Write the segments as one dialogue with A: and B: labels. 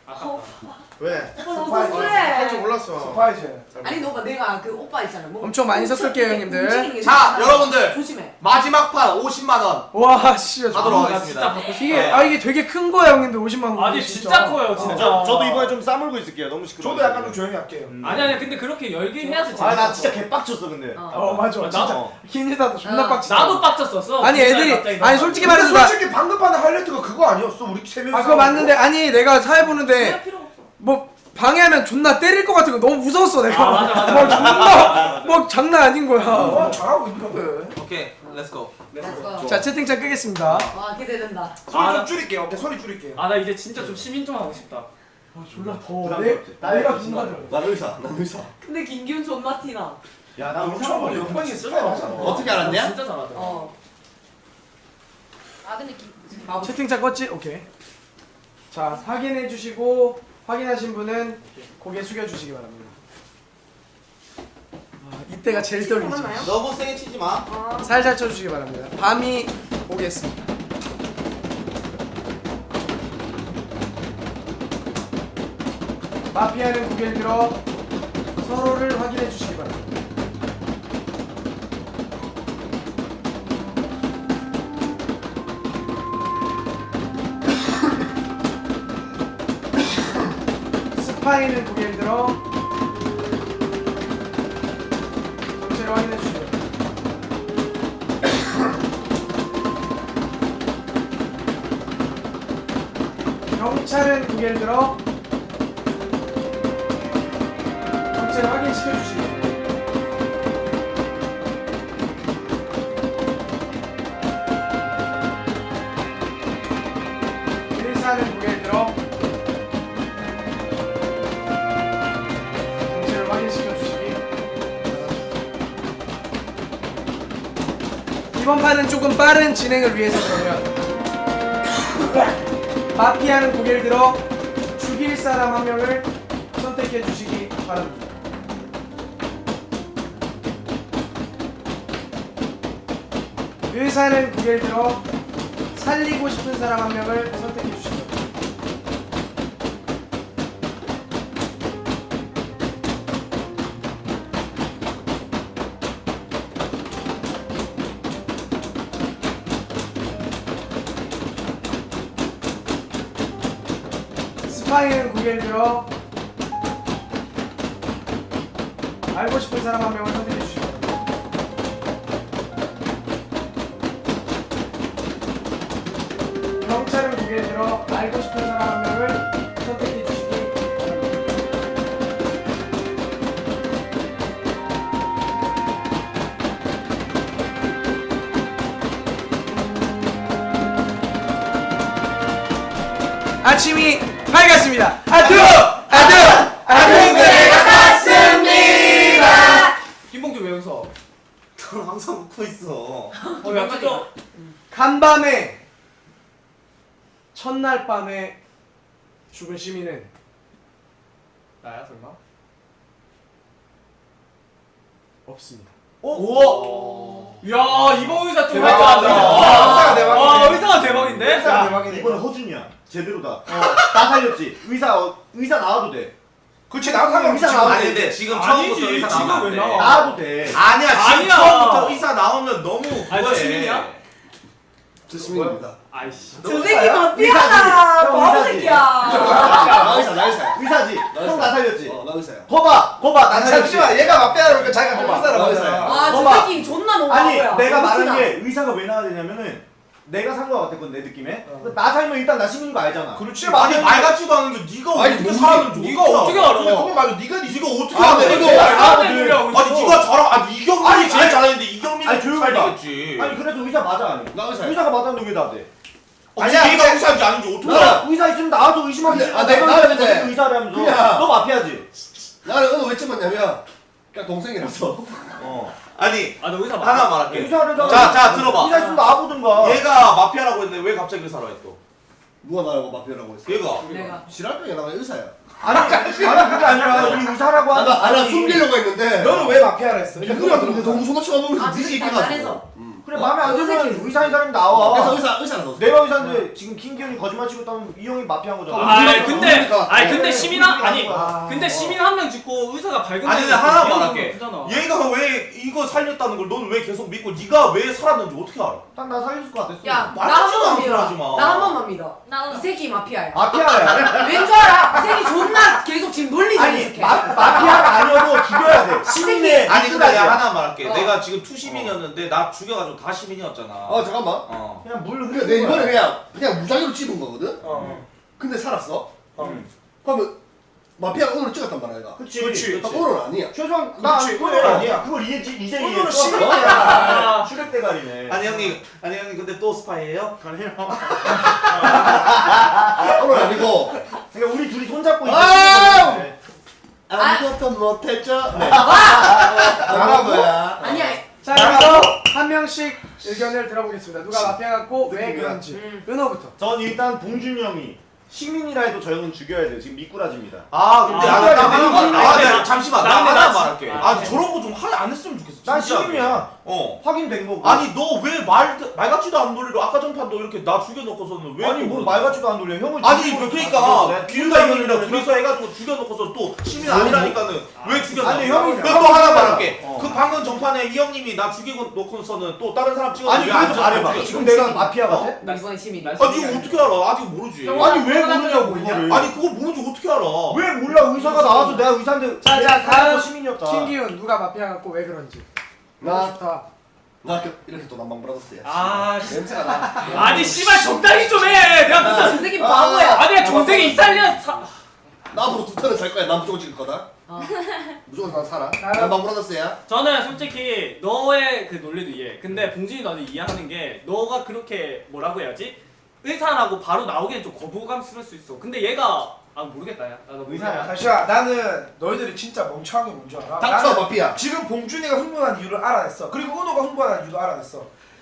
A: 왜?
B: 너무 그래.
A: 할줄 몰랐어.
C: 스파이즈.
B: 아니 너가 내가 그 오빠 있잖아. 뭐
D: 엄청 많이 섞을게요, 형님들.
B: 움직이는 게
E: 자,
B: 좋잖아.
E: 여러분들.
B: 조심해.
E: 마지막 판 50만 원
D: 와, 씨.
E: 하도록
C: 나 진짜
E: 하겠습니다.
C: 받고 싶어.
D: 이게 이게 되게 큰 거야, 형님들. 50만 원.
C: 아니 진짜 커요 진짜.
F: 저도 이번에 좀 싸물고 있을게요. 너무 시끄러워.
A: 저도 약간 좀 조용히 할게요.
C: 아니 근데 그렇게 열기 해야지 재밌어.
F: 나 진짜 개빡쳤어 근데.
D: 맞아.
C: 나도-
D: 진짜. 김지다도 존나 빡치.
C: 나도 빡쳤었어.
D: 아니,
C: 진짜
D: 애들이
C: 갑자기
D: 아니
C: 너무
D: 솔직히
A: 근데
D: 말해서 나
A: 솔직히 방금 판의 하이라이트가 그거 아니었어? 우리 세 명이.
D: 그거 맞는데 아니 내가 사회 보는데
B: 그럴 필요 없어.
D: 뭐 방해하면 존나 때릴 것 같은 거 너무 무서웠어 내가.
C: 아, 맞아.
D: 막 존나 막 장난 아닌 거야.
A: 잘하고 있는데.
E: 오케이, 렛츠고.
B: 렛츠고.
D: 자 채팅창 끄겠습니다.
B: 와 기대된다.
A: 소리
C: 아,
A: 좀
C: 나-
A: 줄일게요. 오케이, 소리 줄일게요.
C: 아 나 이제 진짜 좀 시민 좀 하고 싶다.
D: 졸라 더워.
F: 부담스럽지.
D: 내가 존나 더워.
F: 난 의사.
B: 근데 김기훈 존나 티나.
F: 야나
A: 엄청
F: 의사.
A: 연방이 있어요.
E: 어떻게 알았냐?
C: 진짜 잘하더라.
B: 아 근데 마법.
D: 채팅창 껐지? 오케이. 자 확인해 주시고 확인하신 분은 고개 숙여 주시기 바랍니다. 이때가 제일 떨리지.
B: 하나요?
E: 너무 세게 치지 마.
D: 살살 쳐주시기 바랍니다. 밤이 오겠습니다. 마피아는 고개를 들어 서로를 확인해 주시기 바랍니다. 스파이는 고개를 들어 정체를 확인해 주시기 바랍니다. 경찰은 고개를 들어 정체를 확인시켜 주시기 바랍니다. 의사는 고개를 들어 정체를 확인시켜 주시기 바랍니다. 이번 판은 조금 빠른 진행을 위해서 그러면 마피아는 고개를 들어 죽일 사람 한 명을 선택해 주시기 바랍니다. 의사는 고개를 들어 살리고 싶은 사람 한 명을 선택해 주시기 바랍니다. 스파이는 고개를 들어 알고 싶은 사람 한 명을 선택해 주시기 바랍니다. 경찰은 고개를 들어 알고 싶은 사람 한 명을 선택해 주시기 바랍니다. 아침이 밝았습니다. 아두가 같습니다.
E: 김봉주 왜 웃어? 넌 항상 웃고 있어.
C: 약간 좀
D: 간밤에 첫날 밤에 죽은 시민은
C: 나야 설마?
D: 없습니다.
C: 야 이번 의사 좀
A: 대박이다.
C: 할줄 안다.
A: 의사가 대박이네.
C: 와 의사가 대박인데?
A: 의사가 대박이네.
F: 이번에 허준이야. 제대로다. 나 살렸지. 의사 나와도 돼.
A: 그렇지, 나도 상관없지.
F: 의사 나와도
E: 아니
F: 돼.
E: 근데 지금
C: 아니지,
E: 처음부터 의사
C: 지금
E: 나오면
C: 왜
E: 안 돼.
C: 나와?
F: 나와도 돼.
E: 아니야, 지금
C: 아니야.
E: 처음부터 의사 나오면 너무
C: 아니, 너
E: 그거해.
C: 시민이야?
A: 저 시민입니다.
C: 아이씨.
B: 저 새끼 마피아다.
F: 형
B: 바보
F: 의사지.
B: 새끼야.
A: 나 의사야.
F: 의사지. 형 나 살렸지.
A: 나 의사야.
F: 거봐 나 살렸지.
A: 잠시만, 얘가 맞배야 그러니까 자기가
F: 봐봐,
A: 의사라고
F: 의사야.
A: 하잖아.
B: 아저
F: 봐봐.
B: 새끼 존나 너무
F: 아니
B: 바보야.
F: 내가 말한
B: 티나.
F: 게 의사가 왜 나와야 되냐면은 내가 산 거 같았거든 내 느낌에. 나 살면 일단 나 시민인 거 알잖아.
A: 그렇지.
E: 아니 말 같지도 않은 게 네가
A: 아니,
E: 어떻게
A: 뭐
E: 사람을 줘?
C: 네가 어떻게 알아?
A: 근데 그건 맞아. 네가
E: 어떻게
A: 아,
E: 알아?
A: 근데
E: 이거
A: 이거
C: 사람들 놀려고
E: 아니
C: 있어.
E: 네가 잘하. 아니 이경민이
F: 아니,
E: 제일
F: 아니,
E: 잘하는데 이경민이
F: 아니, 조용히 봐.
E: 살리겠지.
F: 아니 그래서 의사 맞아 아니?
A: 나 의사야.
F: 의사가 맞았는데 왜 나대?
E: 아니야, 얘가 의사인지 아닌지 어떻게 알아?
F: 의사 있으면 나와서 의심하지.
A: 근데, 내가 근데
F: 의사라면서.
A: 그냥-
F: 너 마피아지.
A: 나는 오늘 왜 찍었냐면 그냥 동생이라서.
E: 아니
C: 아너 의사
E: 하나 말할게.
F: 의사를
E: 자 들어봐.
F: 의사 있으면 나와보든가.
E: 얘가 마피아라고 했는데 왜 갑자기 의사로 했어?
A: 누가 나라고 마피아라고 했어?
E: 얘가.
B: 내가.
A: 지랄병이 나가 의사야.
F: 아니 그게 아니라 이 의사라고 하는
A: 나 숨기려고 했는데.
D: 너는 왜 마피아라 했어?
A: 누가 근데 너무 손아치가 너무
B: 아,
A: 니지
B: 진짜
A: 있게가지고.
B: 잘해서.
F: 그래 마음에 안 들면
B: 의사끼리.
F: 의사인 사람이 나와.
A: 그래서 의사라서.
F: 내가 의사인데 지금 김기현이 거짓말 치고 있다면 이 형이 마피아인 거잖아.
C: 근데 시민 아니
F: 아.
C: 근데 시민 한 명 죽고 의사가 발견된
E: 아니, 근데 하나
C: 거
E: 말할게.
C: 그잖아.
E: 얘가 왜 이거 살렸다는 걸 너는 왜 계속 믿고 네가 왜 살았는지 어떻게 알아?
F: 난 나 살릴 것 같았어.
B: 야, 나 한
E: 말하지도
B: 번만
E: 않고
B: 믿어.
E: 하지 마.
B: 나 한 번만 믿어.
G: 나도.
B: 이 새끼 마피아야.
F: 마피아야.
B: 왠 줄 알아? 이 새끼 존나 계속 지금 논리
F: 아니
B: 정직해.
F: 마피아가 아니어도 죽여야 돼. 시민의
E: 아니 근데 내가 하나 말할게.
B: 어.
E: 내가 지금 투시민이었는데 나 죽여가지고 다 시민이었잖아.
A: 잠깐만.
E: 어.
F: 그냥 물
A: 그래 내 이번에 그냥 무작위로 찝은 거거든.
D: 어.
A: 근데 살았어.
E: 음.
A: 그러면 마피아 오늘 찍었단 말이야. 얘가.
F: 그치.
A: 딱 오늘 아니야.
F: 최소한 나
D: 그치,
F: 그건
D: 그래.
F: 아니야. 그걸 이제
D: 오늘은
F: 이해했어.
D: 시민이야.
F: 슈렉 대가리네.
E: 아니 형님 근데 또 스파이예요?
A: 오늘 아니고.
F: 그러니까 우리 둘이 손잡고
A: 아우!
F: 있는
A: 아무것도 못했죠. 네.
F: 나가고요.
A: 거야.
B: 아니야.
D: 자 여기서 한 명씩 의견을 들어보겠습니다. 누가 마피아 같고 왜 그런지. 은호부터.
F: 전 일단 봉준이 형이 시민이라 해도 저 형은 죽여야 돼요. 지금 미꾸라지입니다.
E: 아 근데
C: 아,
E: 나 잠시만
C: 나
E: 나
C: 근데
E: 하나
C: 나
E: 말할게. 아 저런 거 좀 안 했으면 좋겠어.
F: 난
E: 진짜로.
F: 시민이야.
E: 어.
F: 확인된 거고.
E: 아니 너 왜 말 같지도 않은 논리로 아까 전판도 이렇게 나 죽여놓고서는 왜
F: 아니 뭐 말 같지도 않은 돌려. 형을
E: 아니
F: 죽이고
E: 그러니까
F: 내가
E: 기훈과 형님이랑
F: 죽이려고
E: 둘이서 해가지고 죽여놓고서 또 시민 아니라니까는 왜 죽였나?
F: 아니, 형이
E: 또 하나 말할게.
F: 어.
E: 그 방금 전판에 이 형님이 나 죽이고 놓고서는 또 다른 사람 찍어.
F: 아니 그래서 말해봐. 지금 내가 마피아 같아?
B: 나 이번에 시민.
E: 아 지금 어떻게 알아? 아직 모르지.
F: 아니 왜 모르냐고 이거를.
E: 아니 그걸 모르지 어떻게 알아?
F: 왜 몰라? 의사가 나와서 내가 의사인데
D: 자,
F: 내가
D: 다음
F: 살아서 시민이었다.
D: 김기훈 누가 마피아 같고 왜 그런지.
A: 나
D: 좋다.
A: 이렇게 또 남방 브라더스야.
C: 아
A: 냄새가 나.
C: 아니 씨발 적당히 좀 해. 내가 무슨
B: 이 새끼 바보야.
C: 아니 내가 전생에 이탈리아
A: 나 앞으로 2턴을 살 거야. 난 무조건 찍을 거다.
B: 어.
A: 무조건 난 살아.
D: 다음.
A: 남방 브라더스야.
C: 저는 솔직히 너의 그 논리도 이해해. 근데 봉준이 너는 이해하는 게 너가 그렇게 뭐라고 해야지? 의사라고 바로 나오기엔 좀 거부감스러울 수 있어. 근데 얘가 모르겠다 야. 나
F: 의사야.
H: 잠시만, 나는 너희들이 진짜 멍청한 게 뭔지 알아?
A: 닥쳐
H: 나는
A: 마피아.
H: 지금 봉준이가 흥분한 이유를 알아냈어. 그리고 은호가 흥분한 이유도 알아냈어.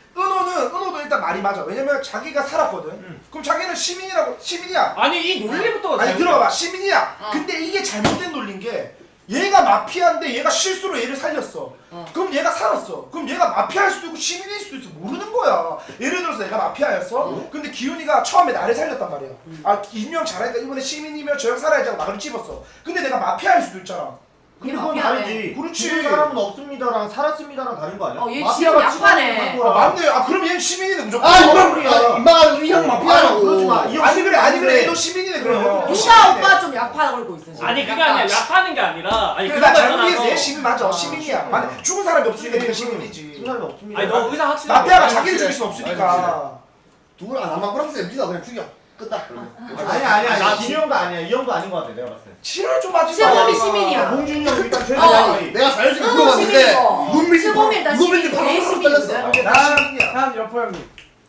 H: 은호도 일단 말이 맞아. 왜냐면 자기가 살았거든. 그럼 자기는 시민이야.
C: 아니 이 논리부터가
H: 아니
C: 잘못-
H: 들어봐, 시민이야.
B: 어.
H: 근데 이게 잘못된 논리인 게 얘가 마피아인데 얘가 실수로 얘를 살렸어.
B: 어.
H: 그럼 얘가 살았어. 그럼 얘가 마피아일 수도 있고 시민일 수도 있어. 모르는 거야. 예를 들어서 내가 마피아였어. 근데 기훈이가 처음에 나를 살렸단 말이야. 아 김영 잘하니까 이번에 시민이면 저 형 살아야지 하고 나를 찝었어. 근데 내가 마피아일 수도 있잖아.
F: 근데 그건
B: 마피아네.
F: 다르지.
H: 그렇지.
F: 죽은 사람은 없습니다랑 살았습니다랑 다른 거 아니야?
B: 얘
F: 마피아가
B: 지금 약하네.
F: 찍어놓은
H: 아
F: 거야.
H: 맞네. 아 그럼 얘는 시민이네 무조건.
A: 임마가 이형 마피아라고.
F: 그러지 마. 이 형
H: 아니 그래
F: 시민인데.
H: 너 시민이네 그러면.
B: 누가 오빠 좀 약파 걸고 있어. 지금.
C: 아니 그게 아니라 약하는 게 아니라 아니
H: 그래
C: 그런
H: 나
C: 거
H: 잘못 이해했어.
C: 있잖아.
H: 얘 시민 맞아. 시민이야. 만약 죽은 사람이 없으니까 네가 시민이지.
F: 죽은 사람이 없습니다.
C: 아니 너 의사 확실하게
H: 마피아가
C: 몰라.
H: 자기를 죽일 수 없으니까.
A: 누구랑 남방 브라더스야. 믿어 그냥 죽여. 끝다.
F: 아니야.
C: 나
F: 이 형도 아니야. 이 형도 아닌 거 같아. 내가 봤을 때.
H: 치료를 좀 하지.
B: 실범이
H: 마.
B: 시민이야.
F: 봉준이 형 일단 최대
B: 어.
F: 나이.
A: 내가 자연스럽게
B: 은호
A: 물어봤는데
B: 시민이고.
A: 눈빛이
B: 실범이 일단
A: 눈빛이
B: 시민이고
A: 바로
B: 얘
A: 떨렸어.
B: 시민이거든.
H: 나 시민이야.
D: 다음 여포 형님.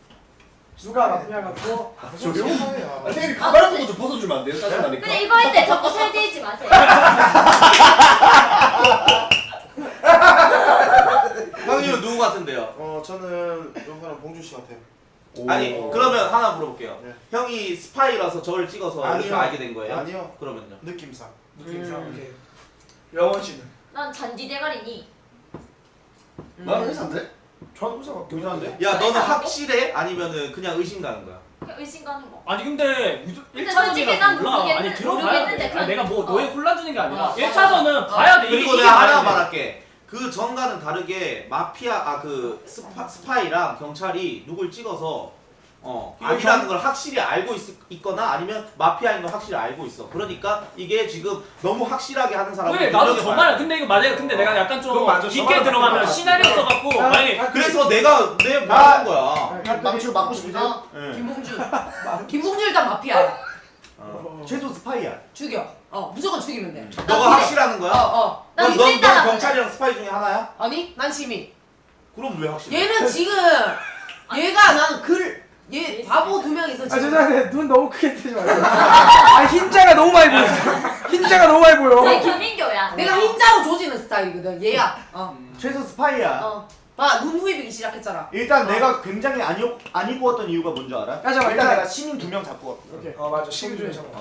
D: 누가 마피아 같고
A: 조용. 선생님이 가발 보고 좀 벗어주면 안 돼요? 짜증나니까.
G: 근데 이거 할 때 자꾸 살찌지 마세요.
E: 형님은 누구 같은데요?
H: 저는 영사랑 봉준 씨 같아요.
E: 아니 그러면 하나 물어볼게요.
H: 네.
E: 형이 스파이라서 저를 찍어서 이렇게
H: 아니요.
E: 알게 된 거예요?
H: 아니요.
E: 그러면요?
H: 느낌상.
D: 느낌상.
H: 오케이. 영원 씨는?
G: 난 잔디 대가리니.
A: 나는 의사인데?
H: 전 의사 같고.
F: 의사인데?
E: 야 너는
G: 의사라고?
E: 확실해? 아니면은 그냥 의심 가는 거야?
G: 그냥 의심 가는 거.
C: 아니 근데
G: 근데 솔직히 난
C: 1차전이라서 몰라. 아니
G: 모르겠는데,
C: 들어봐야
G: 모르겠는데
C: 돼. 아니 내가 뭐
G: 그냥-
C: 너에 혼란 주는 게 아니라
G: 어,
C: 1차전은 봐야 돼.
E: 그리고
C: 이게
E: 내가 하나
C: 봐야 돼.
E: 말할게. 그 전과는 다르게 마피아 그 스파이랑 경찰이 누굴 찍어서 아니라는 걸 확실히 알고 있거나 아니면 마피아인 걸 확실히 알고 있어. 그러니까 이게 지금 너무 확실하게 하는 사람은
C: 그래 나도
E: 분명히
C: 저
E: 봐야
C: 말
E: 돼.
C: 근데 이거 맞아요. 근데 내가 약간 좀
H: 그거 맞아. 저
C: 깊게
H: 말은
C: 들어가면
H: 맞아.
C: 시나리오 써갖고 만약에
E: 그래서 내가 내 말하는 거야.
F: 망치로 맞고 싶으세요?
E: 예.
B: 김봉준 일단 마피아야.
F: 최소 스파이야.
B: 죽여. 무조건 죽이면 돼.
E: 너가 확실하는 거야?
G: 난
E: 넌
G: 이랬다 나갔네.
E: 경찰이랑 스파이 중에 하나야?
B: 아니 난 시민.
E: 그럼 왜 확실해?
B: 얘는 지금 얘가 나는 얘 바보 2명 있어
D: 아
B: 지금.
D: 죄송한데 눈 너무 크게 뜨지 마세요. 아 흰자가 너무 많이 보여. 흰자가 너무 많이 보여.
G: 내 김민교야.
B: 내가 흰자로 조지는 스타일이거든. 얘야.
F: 최소 스파이야.
B: 봐눈 후입이기 시작했잖아.
F: 일단 내가 굉장히 안 입었던 이유가 뭔지 알아?
D: 야, 잠깐만,
F: 일단
D: 일단-
F: 내가 시민 2명 잡고 왔거든.
D: 오케이.
H: 맞아 시민 중에 잠깐.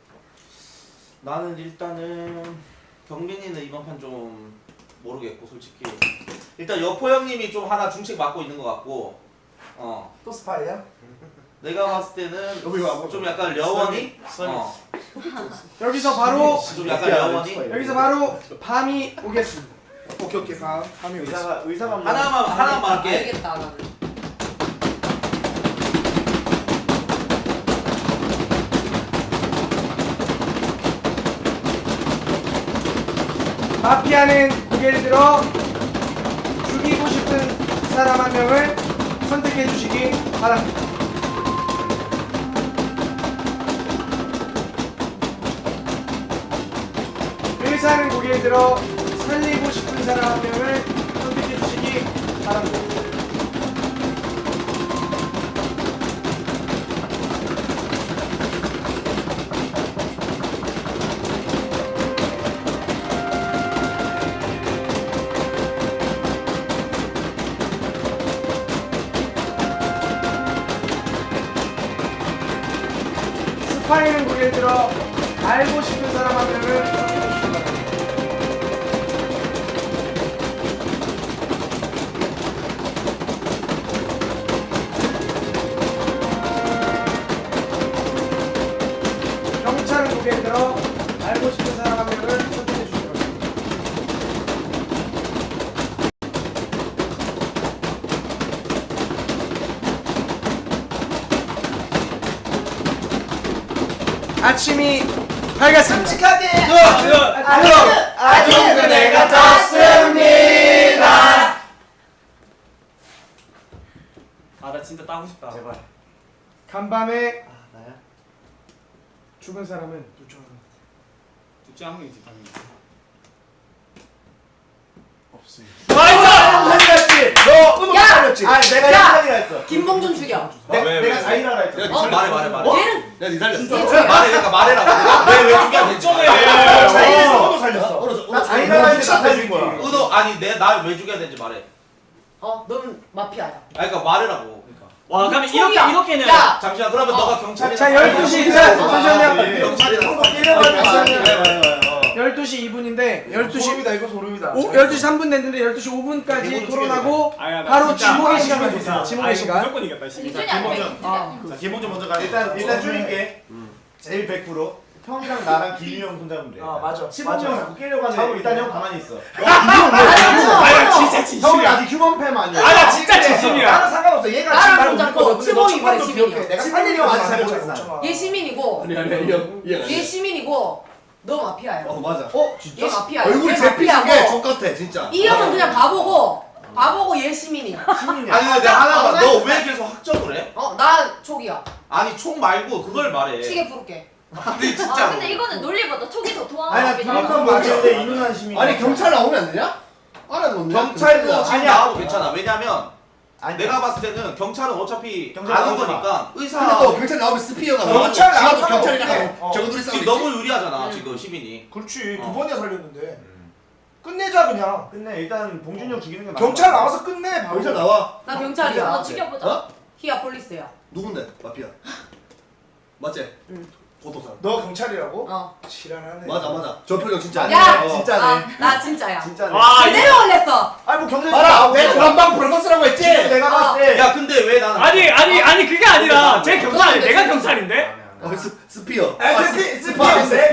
E: 나는 일단은 경빈이는 이번 판 좀 모르겠고 솔직히 일단 여포 형님이 좀 하나 중책 맡고 있는 것 같고
H: 또 스파이야?
E: 내가 봤을 때는
A: 여기 와.
E: 좀 약간 려원이
D: 여기서 바로
E: 좀 약간 려원이
D: 여기서 바로 밤이 오겠습니다.
H: 오케이 가.
D: 밤이 오겠습니다.
F: 의사가 뭐
E: 하나만 할게.
B: 알겠다 나는.
D: 마피아는 고개를 들어 죽이고 싶은 사람 한 명을 선택해 주시기 바랍니다. 의사는 고개를 들어 살리고 싶은 사람 한 명을 선택해 주시기 바랍니다. 스파이는 고개를 들어 알고 싶은 사람 한 명을 선택해 주시기 바랍니다. 경찰은 고개를 들어 알고 싶은 사람 한 명을 선택해 주시기 바랍니다. 아침이 밝았습니다.
H: 솔직하게.
D: 아직은 내가 졌습니다.
C: 아 나 진짜 따고 싶다.
F: 제발.
D: 간밤에
F: 나야?
D: 죽은 사람은
C: 둘째 한 명이지 당연히.
F: 없어요.
C: 나이스!
F: 너
H: 은호
B: 야!
H: 살렸지.
F: 아 내가
B: 야!
F: 현상이라 했어.
B: 김봉준 죽여.
F: 내가 자이라라 했잖아.
E: 말해.
B: 얘는
A: 내가 니 살렸어.
E: 말해 그러니까 말해라고. 왜 죽여야 되지?
H: 자이에서 은호 살렸어.
F: 나 자이라라 했는데 나 살린 거야.
E: 은호 아니 날 왜 죽여야 되는지 말해.
B: 너는 마피아야.
E: 그러니까 말해라고. 그러니까.
C: 와 그러면
B: 총이야.
C: 이렇게는
B: 야
E: 잠시만 그러면 너가 경찰이나
D: 자 12시 잠시만요.
E: 경찰이나
F: 잠시만요.
D: 12시 2분인데 12시
H: 소름이다 이거 소름이다.
D: 12시 3분 됐는데 12시 5분까지 토론하고
C: 아야, 나
D: 바로
C: 진짜
D: 지목의
C: 아,
D: 시간이
C: 이거
D: 됐습니다.
C: 아,
D: 지목의
C: 이거
D: 시간.
C: 무조건 이겼다. 씨.
G: 김준이 안 돼.
F: 김봉준.
G: 김준이.
F: 자 기본 좀 먼저 가. 일단 줄일게. 제일 100%. 형이랑 나랑 기윤이 형 손잡으면 돼.
H: 맞아.
F: 15명 자꾸 깨려고 하는데 일단 형 가만히 있어.
C: 아야 진짜
F: 형이
C: 진심이야.
F: 아직 휴먼 팸 아니야.
C: 아나 진짜 진심이야.
H: 나는 상관없어. 얘가
B: 나랑
H: 지금 나를
B: 손잡고
H: 웃거든. 근데 너
B: 치범이
H: 첫 번도
B: 말해,
H: 기억해.
B: 시민이야.
H: 내가
F: 시민이
H: 살리려고
F: 형
H: 하지
F: 아직 잘
H: 않았잖아.
F: 못했어.
B: 얘 시민이고 얘 시민이고 너 마피아야.
A: 맞아.
B: 얘 마피아야.
A: 얼굴
B: 얘
A: 제피는
B: 마피아고.
A: 게 족같아 진짜.
B: 이 형은 그냥 바보고 얘 시민이야.
F: 시민이야.
E: 아니 근데 하나만 너 왜 계속 확정을 해?
B: 나 촉이야.
E: 아니 총 말고 그걸 말해.
B: 시계 부를게.
E: 근데 진짜
G: 근데 이거는 논리보다 촉이 더
F: 아니 나
G: 통하는
F: 둘이서 맞는데 이누난 시민.
A: 아니 경찰 나오면 안 되냐? 알아놓네.
E: 경찰도 지금
F: 아니야.
E: 나와도 괜찮아. 왜냐면
F: 아니
E: 내가 봤을 때는 경찰은 어차피
F: 경찰
E: 아는
F: 나오지 마.
E: 거니까 의사
A: 근데 또 경찰 나오면 스피어가 나와.
H: 경찰 나와도
A: 지금도 경찰이랑
H: 상관없네.
A: 저거 둘이 싸우고
E: 지금 너무 유리하잖아 지금 시민이.
H: 그렇지.
E: 어.
H: 두 번이나 살렸는데. 끝내자 그냥.
F: 끝내 일단 봉준이 형 죽이는 게 맞아.
H: 경찰 나와서 끝내. 바로.
A: 경찰 나와.
B: 나
G: 너
B: 경찰이야.
G: 죽여보자.
A: 어?
B: 히야 폴리스야.
A: 누군데? 마피아. 맞지?
B: 응.
A: 보도사.
H: 너 경찰이라고?
B: 어.
H: 지랄하네.
A: 맞아. 저 표정 진짜.
F: 아니야.
B: 야!
F: 진짜네.
B: 나 진짜야.
F: 진짜네.
C: 와 이거
B: 제대로 올렸어.
F: 아니 뭐 경찰
A: 봐라. 내 전방 프로듀서라고 했지.
F: 지금 내가 봤을 때
E: 야 근데 왜 나는
C: 아니 그게 아니라 제 경찰 아니 내가 경찰인데.
A: 스피어.
F: 스파인데.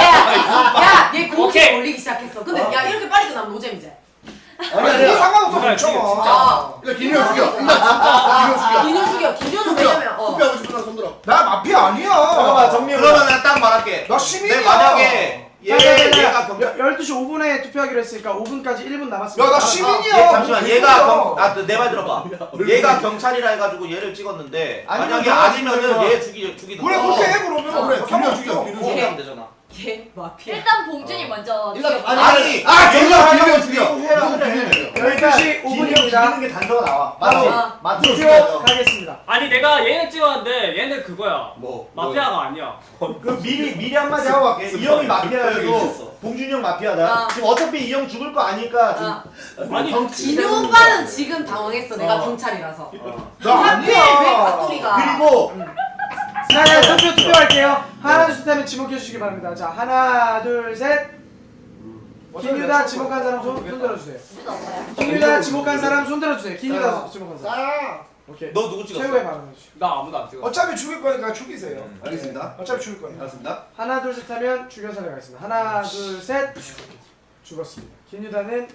B: 야, 얘 공기
C: 오케이.
B: 올리기 시작했어. 근데 야 이렇게 빨리 끝나면 노잼이지.
A: 아니
H: 그거 상관없어.
C: 그래,
H: 멈춰.
B: 아,
A: 그러니까 김효 죽여. 진짜 김효 죽여.
B: 기준 죽여. 기준은 왜냐면
A: 투표하고 싶은 사람 손들어.
H: 나 마피아 아니야.
F: 잠깐만 정리해.
E: 그러면 내가 딱 말할게.
H: 나 시민이야.
E: 내 만약에 얘가 경찰
D: 12시 5분에 투표하기로 했으니까 5분까지 1분 남았습니다.
H: 야, 나 시민이야.
E: 잠시만
H: 무슨
E: 얘가
H: 소리야.
E: 내 말 들어봐. 얘가 경찰이라 해가지고 얘를 찍었는데
F: 아니면
E: 만약에
F: 내가
E: 아니면은
F: 죽이면
E: 얘 죽이는
H: 그래
E: 거야.
H: 그렇게 해 그러면.
A: 그래, 김효 죽여.
H: 상관없어.
A: 김효
E: 그렇게 하면 되잖아.
B: 얘 마피아.
G: 일단 봉준이 먼저
A: 일단
G: 죽여보자.
E: 아니
A: 김효 죽여.
F: 해라 그래.
D: 12시 5분입니다.
F: 죽이는 게 단서가 나와. 맞지?
B: 아.
F: 맞지?
D: 투표 가겠습니다.
C: 아니 내가 얘는 찍었는데 얘는 그거야.
A: 뭐?
C: 마피아가 아니야.
F: 그 미리 한마디 하고 갈게. 이 형이 마피아여도 봉준이 형 마피아다. 지금 어차피 이 형 죽을 거 아니까 지금
C: 아니,
B: 진우 오빠는 지금 당황했어. 내가 경찰이라서.
H: 나
B: 하필 왜
H: 아니야.
B: 밭돌이가.
F: 그리고
D: 자, 투표할게요. 하나 둘 셋 하면 지목해 주시기 바랍니다. 자, 하나 둘 셋. 김유다 지목한 사람 손 들어주세요. 김유다 지목한 사람 손 들어주세요. 김유다 지목한 사람.
H: 나야.
D: 오케이.
E: 너 누구 찍었어?
D: 최후의 발언 해주시죠.
C: 나 아무도 안 찍었어.
H: 어차피 죽일 거니까 죽이세요.
A: 알겠습니다.
H: 어차피 죽일 거니까.
A: 알겠습니다.
D: 하나 둘 셋 하면 죽여서 가겠습니다. 하나 둘 셋. 죽었습니다. 김유다는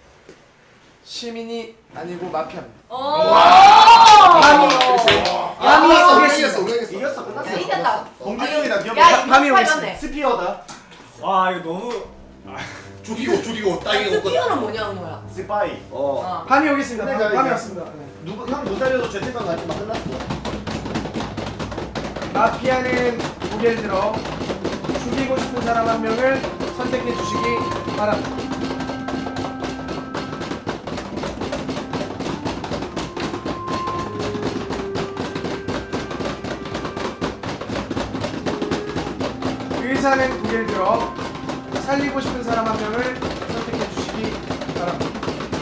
D: 시민이 아니고 마피아입니다. 밤이 오겠습니다.
F: 이겼어 끝났어.
B: 이겼다.
F: 봉준이 형이다 기억.
B: 야, 이거
D: 밤이
B: 스파이
D: 오겠습니다.
B: 맞네.
F: 스피어다.
C: 와 이거 너무.
A: 죽이고 땅에
B: 스피어는 뭐냐, 은호야?
F: 스파이.
D: 밤이 오겠습니다.
F: 근데
D: 밤이
F: 이제-
D: 왔습니다. 네.
F: 누구 형 못 살려도 죄책감 가지만 끝났어.
D: 마피아는 고개를 들어 죽이고 싶은 사람 한 명을 선택해 주시기 바랍니다. 의사는 고개를 들어 살리고 싶은 사람 한 명을 선택해 주시기 바랍니다.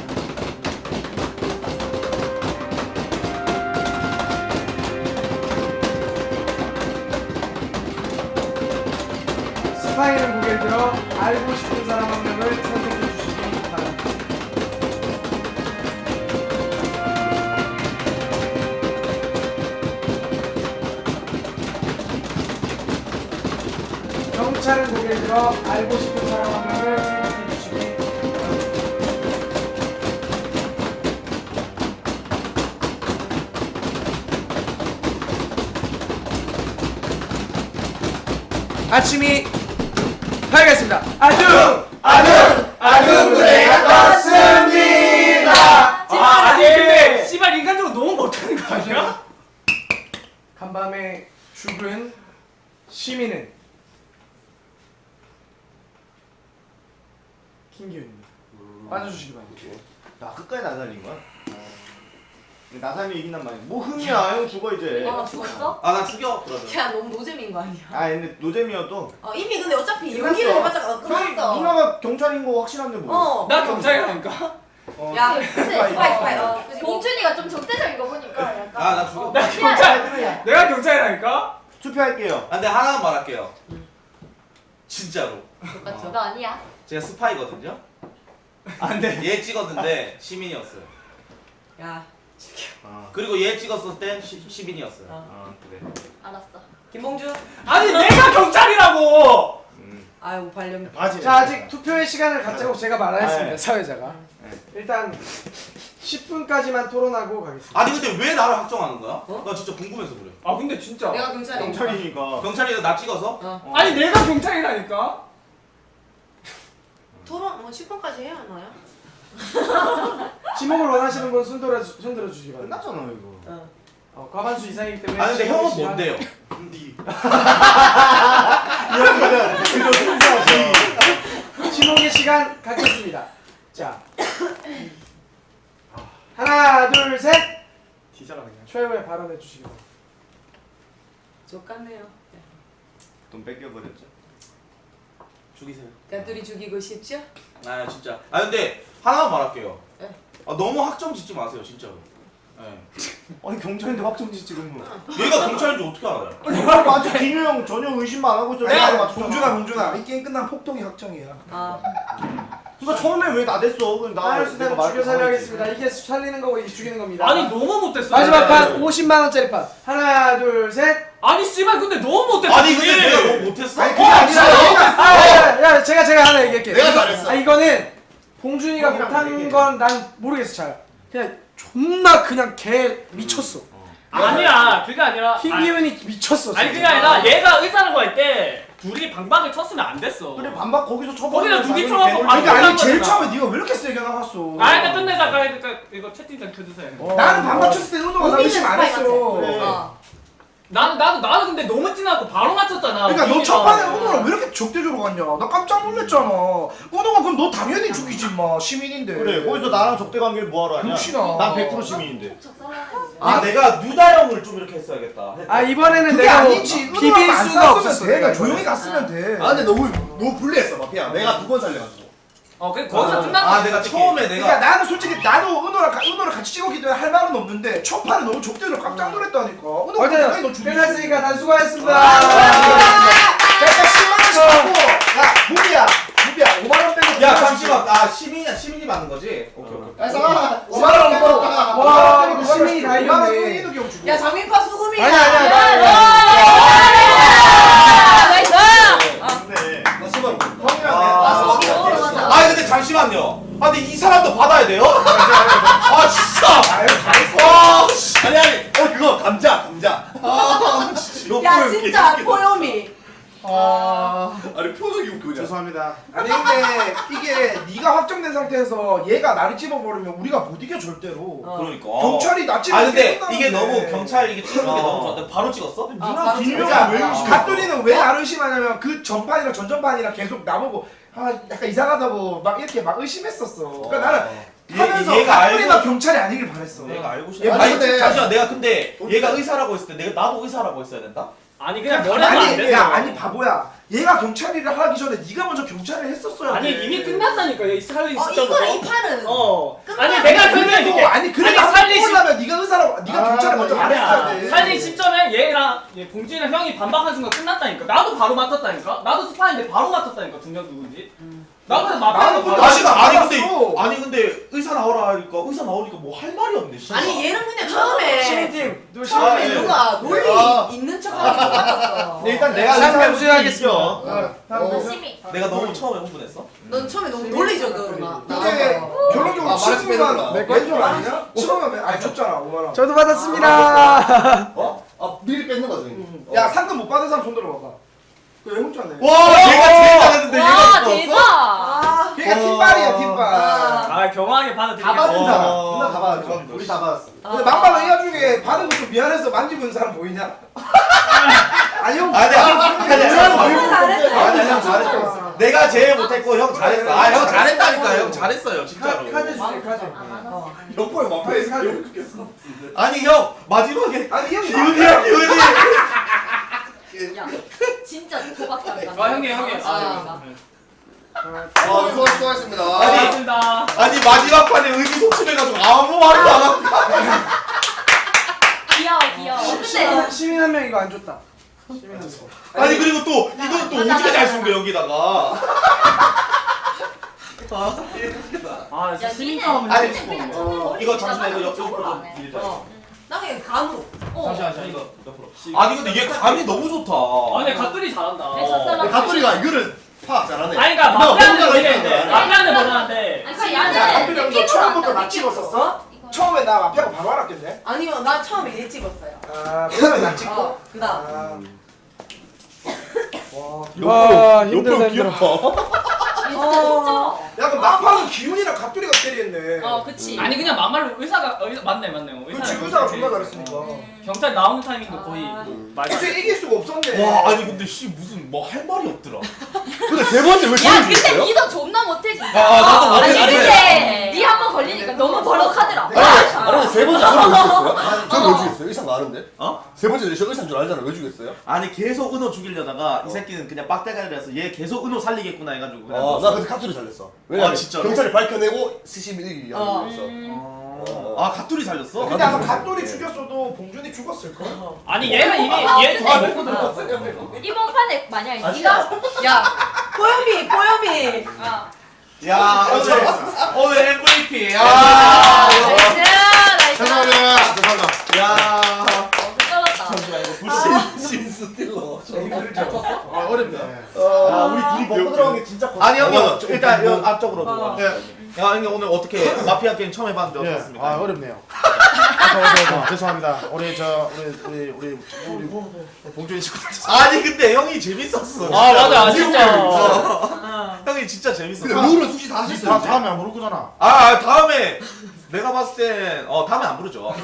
D: 스파이는 고개를 들어 알고 싶은 사람 한 명을 선택해 주시기 바랍니다. 경찰은 고개를 들어 알고 싶은 사람 한 명을 선택해 주시기 바랍니다. 아침이 밝았습니다.
F: 아둥그레가 떴습니다.
C: 아니 근데 씨발 인간적으로 너무 못하는 거 아니야?
D: 간밤에 죽은 시민은 김기훈입니다. 빠져주시기 바랍니다.
F: 나 끝까지 나 살린 거야? 근데 나 살면 이긴단 말이야. 뭐 흥이야 형 죽어 이제.
G: 죽었어?
E: 아 나 죽여 그러면.
B: 야, 너무 노잼인 거 아니야?
F: 아 근데 노잼이어도
B: 이미 근데 어차피
F: 끝났어.
B: 연기를 해봤자
F: 형이
B: 끝났어.
F: 누나가 경찰인 거 확실한데 뭐.
C: 나 경찰이라니까.
B: 야,
G: 스파이
B: 스파이. 그치,
G: 봉준이가 좀 적대적인 거 보니까 약간
E: 아 나 죽여.
C: 나 경찰. 내가 경찰이라니까.
F: 투표할게요.
E: 아, 근데 하나만 말할게요. 진짜로.
B: 똑같죠.
G: 너 아니야?
E: 제가 스파이거든요. 안돼. 얘 찍었는데 시민이었어요.
B: 야,
E: 그리고 얘 찍었을 땐 시민이었어요.
F: 그래.
G: 알았어.
B: 김봉주.
C: 아니 내가 경찰이라고.
B: 아유, 발령.
D: 자, 아직 투표의 시간을 갖자고 제가 말하였습니다.
F: 네.
D: 사회자가. 일단 10분까지만 토론하고 가겠습니다.
E: 아니 근데 왜 나를 확정하는 거야? 나 진짜 궁금해서 그래.
C: 아 근데 진짜.
B: 내가 경찰이야.
F: 경찰이니까.
E: 경찰이가 나 찍어서?
C: 아니 내가 경찰이라니까.
B: 토론 10분까지 해야 하나요?
D: 지목을 원하시는 분 손 들어주시기 바랍니다.
F: 끝났잖아 이거.
D: 과반수 이상이기 때문에.
E: 아니 근데
D: 지목의
E: 형은
D: 시간-
E: 뭔데요?
F: 이 형이는 그저 순수하지.
D: 지목의 시간 갖겠습니다. 자, 하나, 둘, 셋.
C: 뒤져라 그냥.
D: 최후의 발언해 주시기 바랍니다.
B: 족같네요.
F: 돈 뺏겨버렸죠.
E: 죽이세요.
B: 가두리 죽이고 싶죠?
E: 아 진짜. 아 근데 하나만 말할게요.
B: 네.
E: 아, 너무 확정 짓지 마세요 진짜로. 네.
F: 아니 경찰인데 확정지 지금 뭐.
E: 얘가 경찰인지 어떻게 알아요?
F: 내가 맞아 김유 형 전혀 의심만 안 하고 있어. 내가 맞췄잖아.
H: 봉준아 이 게임 끝나면 폭동이 확정이야.
F: 그러니까 처음에 왜 나 됐어? 그럼 나
D: 하나, 둘,
F: 말
D: 죽여 살려하겠습니다. 이게 살리는 거고 이게 죽이는 겁니다.
C: 아니 너무 못했어.
D: 마지막 판 50만 원짜리 판. 하나, 둘, 셋.
C: 아니 씨발 근데 너무 못했어.
E: 아니 근데
C: 그게.
E: 내가 너무 못했어?
F: 아니 그게 아니라
D: 야, 제가 하나 얘기할게요.
A: 내가 잘했어.
D: 이거는 봉준이가
F: 형이랑
D: 못한
F: 얘기해.
D: 건 난 모르겠어 잘. 그냥 존나 그냥 개 미쳤어.
C: 아니야 그게 아니라.
D: 김기훈이 미쳤어.
C: 아니 그게
D: 진짜.
C: 아니라 얘가 의사라고 할 때 둘이 방박을 쳤으면 안 됐어.
F: 그래 반박 거기서 쳐버.
C: 거기다 두개 쳐갖고
H: 그러니까 아니 제일
C: 거잖아.
H: 처음에 네가 왜 이렇게 세게 나갔어?
C: 아 일단 끝내자. 그러니까 이거 채팅창 켜주세요.
H: 나는 반박 쳤을 때 은호가 나 의심 안 했어.
F: 그래.
B: 어.
C: 나는 근데 너무 진하고 바로 맞췄잖아.
H: 그러니까 너
C: 우민이랑.
H: 첫판에 은호랑 왜 이렇게 적대적으로 봤냐? 나 깜짝 놀랐잖아. 은호가 그럼 너 당연히 죽이지 마. 시민인데.
F: 그래 거기서 나랑 적대 관계를 뭐하러 하냐?
H: 역시나.
F: 난 100% 시민인데.
E: 아 내가 누다 형을 좀 이렇게 했어야겠다.
D: 아 이번에는
H: 그게
D: 내가 뭐
H: 아니지.
D: 비빌
H: 은호랑 안
D: 수가
H: 싸웠으면
D: 없었어.
H: 돼.
D: 내가
H: 그냥 조용히 갔으면 돼.
A: 아 근데 너무 불리했어 마피아. 내가 2번 살려가지고.
C: 그 거기서 끝난
E: 아
C: 거지,
E: 내가
C: 솔직히.
E: 처음에
H: 그러니까
E: 내가
H: 나는 솔직히 나도 은호를 같이 찍었기 때문에 할 말은 없는데 첫 판에 너무 족대로 깜짝 놀랐다니까. 은호가 당연히 너
D: 어쨌든
H: 죽이지.
D: 끝났으니까 다 수고하셨습니다.
H: 내가 10만원씩 받고 야 무비야 5만원 빼고
E: 야 잠시만 아 시민이 맞는 거지? 오케이 오케이.
A: 아
H: 5만원 빼고
D: 와 이거 시민이 다
H: 5만원
D: 이겼네.
H: 이기는 경 주고
B: 야 장민파 수금이야.
D: 아니야.
B: 나이스.
F: 근데
A: 나 10만
E: 아 근데 잠시만요. 아 근데 이 사람도 받아야 돼요? 아 진짜.
H: 아유 잘했어
E: 와 씨.
A: 아니 그거 감자.
E: 아 진짜.
B: 야 진짜 포요미.
A: 아니 표정이 웃겨.
F: 죄송합니다.
H: 아니 근데 이게 네가 확정된 상태에서 얘가 나를 찝어버리면 우리가 못 이겨 절대로
E: 그러니까.
H: 경찰이 나 찝어
E: 아 근데 이게 너무 경찰 이게 찍는 게 너무 좋았다. 바로 찍었어?
B: 바로
H: 그러니까
F: 왜 의심해?
H: 갓돌이는 왜 나를 의심하냐면 그 전판이랑 전전판이랑 계속 나보고 아 약간 이상하다고 막 이렇게 막 의심했었어. 그러니까 나는 하면서
E: 얘가
H: 갓돌이가
E: 알고-
H: 경찰이 아니길 바랬어.
E: 내가 알고 싶어.
H: 얘
E: 아니
A: 근데-
E: 잠시만 내가 근데 얘가 의사라고 했을 때 내가 나도 의사라고 했어야 된다?
C: 아니 그냥 뭐라도 안
H: 아니
C: 됐어.
H: 야 아니 바보야. 얘가 경찰일을 하기 전에 네가 먼저 경찰을 했었어야
C: 아니
H: 돼.
C: 이미 끝났다니까 이 살린 시점으로.
B: 이거는 이 판은.
C: 아니 내가
H: 그래도
C: 설명해줄게.
H: 아니 그래도
C: 아니, 살린 시-
H: 살리려면 네가 의사라고 네가 경찰을 먼저 말했어야 돼.
C: 살린 시점에 얘랑 봉준이랑 형이 반박한 순간 끝났다니까. 나도 바로 맡았다니까. 나도 스파인데 바로 맡았다니까. 두 명 누군지. 나도
H: 나는
C: 맡았고
H: 근데
C: 바로.
E: 아니 근데 의사 나오라 하니까 의사 나오니까 뭐 할 말이 없네. 씨발.
B: 아니 얘는 그냥 처음에
D: 시민팀 누구
B: 처음에
E: 예.
B: 누가 논리
A: 아.
B: 있는 척하기 똑같았어.
F: 근데 일단 내가
D: 상담
F: 의사일 수도
D: 수여하겠습니다.
F: 있어.
G: 심이.
E: 내가 너무 처음에 흥분했어?
B: 넌 처음에 너무 논리적으로 나.
H: 근데 결론적으로
A: 아, 말해서 빼는구나.
H: 치우면 왼손 아니냐? 치우면 아니 줬잖아 5만 원.
D: 저도 받았습니다.
A: 어? 아 미리 뺏는 거지.
H: 야 상금 못 받은 사람 손 들어봐봐. 그왜 혼자네?
E: 와 얘가 제일 잘했는데
G: 와
E: 얘가 못
G: 대박.
B: 아.
H: 걔가 팀빨이야 팀빨.
C: 아 경호하게
A: 다 받은
C: 받아들이겠어.
A: 사람. 누나 다 받았죠. 우리 다 받았어.
H: 근데 막말로 이 와중에 받은 것도 미안해서 만지고 있는 사람 보이냐? 아니 형.
E: 아니
H: 아니
E: 형 잘했어. 내가 제일 못했고 형 잘했어. 아 형 잘했다니까 형 잘했어요 진짜로.
D: 카드 주세요 카드.
A: 옆에 마피아에
E: 아니 형 마지막에
H: 아니 형이
E: 기훈이야 기훈이.
G: 야 진짜 도박장이다.
C: 아 형님.
A: 수고하셨습니다.
C: 고맙습니다.
E: 아니 마지막 판에 의기소침해가지고 아무 말도 안 하고.
G: 귀여워. 근데
D: 시민 한 명 이거 안 줬다.
E: 아니 그리고 또 이건 또 오지게 잘 쓴 거 여기다가.
C: 아 진짜
G: 야
C: 시민싸움은
G: 니네
E: 아니,
G: 그냥
E: 이거 잠시만 이거 옆으로 좀 빌자.
B: 나 그냥 간우.
E: 잠시만 이거 옆으로. 아니 근데 얘 감이 너무 좋다.
C: 아 근데 갓들이 잘한다.
G: 내 젖살만.
A: 가뚜리가 이거를 파악 잘하네.
C: 아니 그니까
A: 너
C: 마피아는
A: 혼자가
C: 모르겠는데
A: 있잖아.
C: 마피아는 모르는데
G: 아니
H: 가뚜리
G: 얘는
H: 형 너 처음부터 나 찍었었어? 처음에 나 마피아가 바로 알았겠네.
B: 아니요 나 처음에 얘 찍었어요.
H: 아 그러면 나 찍고.
B: 그다음.
H: 아.
D: 와 힘들다 힘들어.
H: 야 그럼 막판은 기훈이랑 갑돌이가 때리겠네.
G: 그치.
C: 아니 그냥 막말로 의사 맞네
H: 그렇지 의사가 존나 잘했으니까.
C: 경찰 나오는 타이밍도 거의 말도 안
H: 그치
C: 돼.
H: 이길 수가 없었네.
E: 와 아니 근데 씨 무슨 뭐 할 말이 없더라.
A: 근데 세 번째 왜
G: 야
A: 저를
G: 근데
A: 죽였어요?
G: 니도 존나 못해 진짜.
E: 나도 못해.
G: 아니
A: 아니,
G: 근데 니 한 번 걸리니까 너무 버럭하더라.
A: 아니 세 번째 저를 왜 죽였어요? 저를 왜 죽였어요? 의사 많은데?
E: 어?
A: 세 번째 저 의사인 줄 알잖아. 왜 죽였어요?
E: 아니 계속 은호 죽이려다가 이 새끼는 그냥 빡대가리라서 얘 계속 은호 살리겠구나 해가지고 그냥.
A: 나
E: 넣었어.
A: 근데 카투리 살렸어. 왜냐면
E: 진짜로?
A: 경찰이 밝혀내고 스시민이 이기기 위한 거였어.
E: 아 가투리 살렸어?
H: 근데 아마 갑돌이 죽였어도 봉준이 죽었을 걸.
C: 아니 얘가 이미 얘
G: 근데-
C: 먹고 들어갔어.
G: 이번 판에 만약에 니가
B: 야 뽀요미.
E: 야 오늘 MVP.
G: 아,
E: 야.
G: 나이스.
A: 죄송합니다. 죄송합니다.
E: 야.
G: 떨었다.
A: 신스틸러.
F: 어렵네.
A: 우리 둘이 먹고 들어간 게 진짜
E: 아니 형님
A: 맞아.
E: 일단 여기 앞쪽으로 누가.
F: 예.
E: 야 형님 오늘 어떻게 마피아 게임 처음 해봤는데
F: 예.
E: 어떻습니까?
F: 아 어렵네요. 죄송합니다. 우리 봉준이 친구들.
E: 아니 근데 형이 재밌었어.
C: 아 맞아 진짜.
E: 형이 진짜 재밌었어.
A: 근데 룰은 수시 다 하셨어요.
F: 다음에 안 부를 거잖아.
E: 다음에 내가 봤을 땐 다음에 안 부르죠.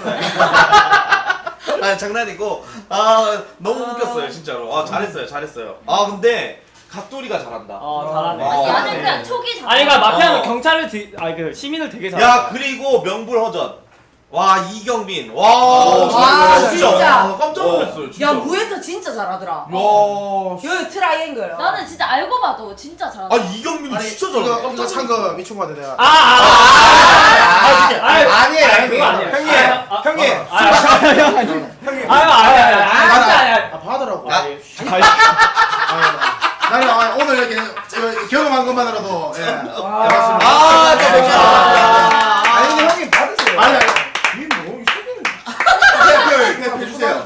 E: 아니 장난이고 너무 웃겼어요 진짜로. 잘했어요. 근데 갓돌이가 잘한다.
C: 잘하네.
E: 어.
G: 나는 그냥 촉이 잘.
C: 아니 그러니까 마피아는
E: 어.
C: 경찰을 그 시민을 되게 잘해.
E: 야 그리고 명불허전. 와 이경민. 와,
B: 와, 진짜.
E: 깜짝 놀랐어요. 진짜.
B: 야 무에터 진짜 잘하더라.
E: 야.
B: 여기 트라이앵글.
G: 나는 진짜 알고 봐도 진짜 잘한다.
E: 아 이경민이 진짜 잘해.
H: 이거 산거 미친 거 같아 내가.
F: 아니에요
C: 그거 아니야.
F: 형님 형님
H: 아 봐더라고. 나는 오늘 이렇게 경험한 것만으로도 예. 아니 근데 형님 받으세요. 아니 이뭐 해주세요.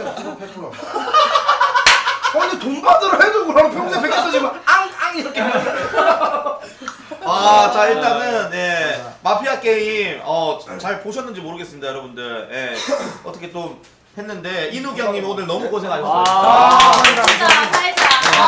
H: 근데 돈 받으러 해도 그럼 평소에 100개 터지면 앙앙 이렇게.
E: 자 일단은 마피아 게임 잘 보셨는지 모르겠습니다 여러분들. 어떻게 또 했는데 이누기 형님 오늘 너무 고생하셨어요.
G: 진짜 살자.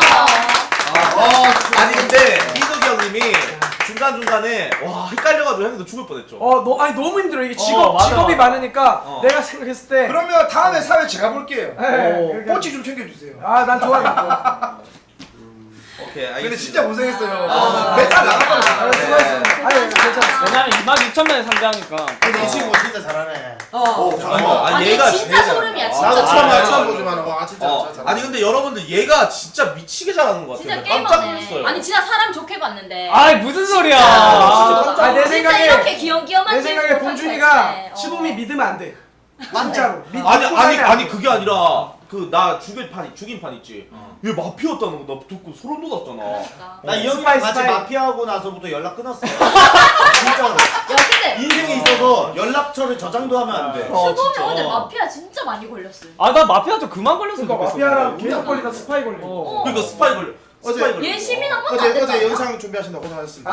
E: 아니 근데 이누기 형님이 중간 중간에 와 헷갈려가지고 형님도 죽을 뻔했죠.
D: 아니 너무 힘들어. 이게
C: 맞아,
D: 직업이
C: 맞아.
D: 많으니까 내가 생각했을 때.
H: 그러면 다음에 사회 제가 볼게요.
D: 네,
H: 꼬치 좀 챙겨주세요.
D: 난 좋아하겠다.
E: 오케이 알겠습니다.
H: 근데 진짜 고생했어요.
E: 아,
H: 맨날 나갔다.
D: 수고하셨습니다. 아니 괜찮았어.
C: 왜냐면 26,000명이 상대하니까.
H: 근데 이 친구 진짜 잘하네.
G: 아니
E: 얘가
G: 진짜
E: 제일
G: 소름이야.
E: 잘해.
G: 진짜.
H: 처음 보지만 와 진짜 잘하네.
E: 아니 근데 여러분들 얘가 진짜 미치게 잘하는 것 같아요.
G: 진짜
E: 깜짝
G: 게임하네.
E: 놀랐어요.
G: 아니 진짜 사람 좋게 봤는데.
C: 아이 무슨 소리야.
D: 아, 내
G: 진짜
D: 생각에
G: 이렇게 귀염귀염한
D: 내 생각에
G: 친구
D: 봉준이가
G: 때.
D: 시범이 믿으면 안 돼. 진짜로.
E: 아니 그게 아니라 그 나 죽인 판 있지. 얘 마피아였다는 거 나 듣고 소름 돋았잖아.
G: 그러니까.
F: 나 이 형이랑
D: 스파이,
F: 같이
D: 스파이.
F: 마피아하고 나서부터 연락 끊었어 진짜로
G: 야 근데
F: 인생에 있어서 연락처를 저장도 하면 안돼
G: 수범이 오늘 마피아 진짜 많이 걸렸어요.
C: 나 마피아 좀 그만 걸렸으면
D: 그러니까
C: 좋겠어.
D: 마피아랑 계속 걸리다 스파이 걸리고.
E: 그러니까 스파이 걸려. 스파이 걸려.
G: 얘 시민 한 번도 안 됐잖아.
H: 어제 영상 준비하신다고 고생하셨습니다.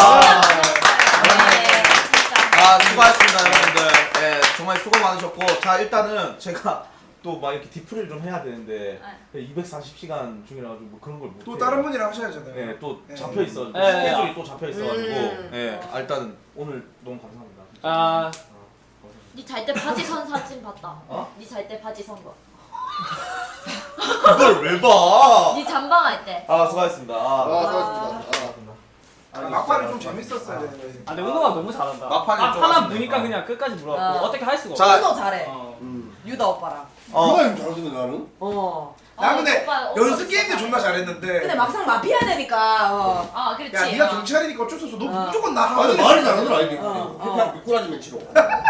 E: 수고하셨습니다 여러분들. 정말 수고 많으셨고 자 일단은 제가 또 막 이렇게 디프를 좀 해야 되는데 240시간 중이라 가지고 뭐 그런 걸 못.
H: 또 다른 분이랑 하셔야잖아요.
E: 또 잡혀 있어.
C: 네.
E: 스케줄이 또 잡혀 있어가지고. 일단 오늘 너무 감사합니다.
G: 니 잘 때 바지 선 사진 봤다. 니 잘 때 바지 선 거.
E: 그걸 왜 봐?
G: 니 잠방할 때.
E: 수고하셨습니다.
H: 막판이 좀 재밌었어요.
C: 근데 운동가 너무 잘한다.
E: 막판이 좀
C: 하나
E: 아쉽네.
C: 보니까 그냥 끝까지 물어봤고 어떻게 할 수가
E: 자,
C: 없어.
B: 유도 잘해. 유다 오빠랑.
A: 누가 형 잘하던데 나는?
H: 나 근데
G: 오빠
H: 연습 게임도 존나 잘했는데.
B: 근데 막상 마피아 되니까.
G: 아 그렇지.
H: 야 네가 경찰이니까 어쩔 수 없어. 너 무조건 나
A: 아니
H: 하자.
A: 말이 잘하더라 이게
B: 어.
A: 그냥 미꾸라지 멘치로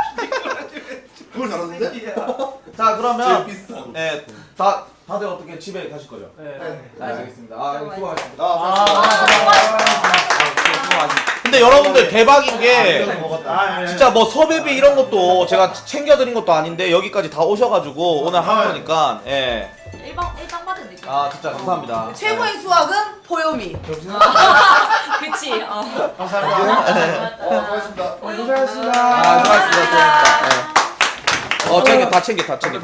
A: 그걸 잘하는데?
E: 자 그러면
A: 제일 비싼
E: 다들 어떻게 집에 가실 거죠?
C: 네.
E: 알겠습니다. 수고하셨습니다. 근데 여러분들 대박인 게 진짜 뭐 섭외비 이런 것도 제가 챙겨드린 것도 아닌데 여기까지 다 오셔가지고 오늘 한 거니까
G: 일방 받은 느낌.
E: 진짜 감사합니다.
B: 최고의 수학은 포요미.
G: 그치.
H: 감사합니다.
A: 고맙습니다
D: 고생하셨습니다.
E: 수고하셨습니다. 다 챙겨.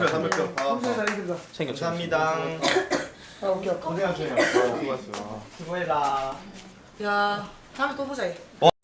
E: 챙겨.
F: 감사합니다
E: 고생하셨어요. 수고하셨어요.
C: 수고해라.
B: 야 다음에 또 보자.